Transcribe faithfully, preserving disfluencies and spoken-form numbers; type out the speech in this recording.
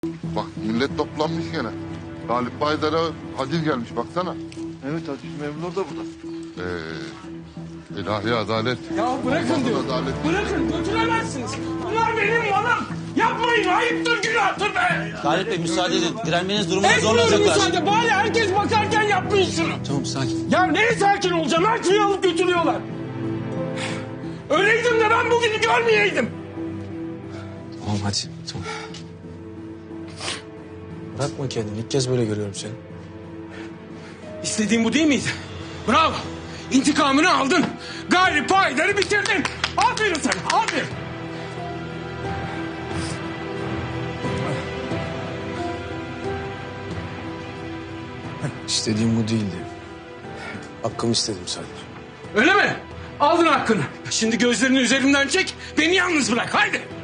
Bak millet toplanmış gene. Galip Baydar'a haciz gelmiş baksana. Evet haciz memurlar da burada. Ee, ilahi adalet. Ya bırakın Allah'ın diyor. adaleti. Bırakın götüremezsiniz. Bunlar benim malım. Yapmayın ayıptır günahtır be. Galip Bey müsaade edin. Direnmeniz durumunda Etmiyorum zorlanacaklar. müsaade. Bari herkes bakarken yapmayın şunu. Tamam sakin. Ya neye sakin olacağım? Her şeyi alıp götürüyorlar. Öyleydim de ben bugünü görmeyeydim. Tamam hadi tamam. Bırakma kendini. İlk kez böyle görüyorum seni. İstediğin bu değil miydi? Bravo. İntikamını aldın. Galip Haydar'ı bitirdin. Aferin sana. Aferin. İstediğim bu değildi. Hakkımı istedim sadece. Öyle mi? Aldın hakkını. Şimdi gözlerini üzerimden çek. Beni yalnız bırak. Haydi.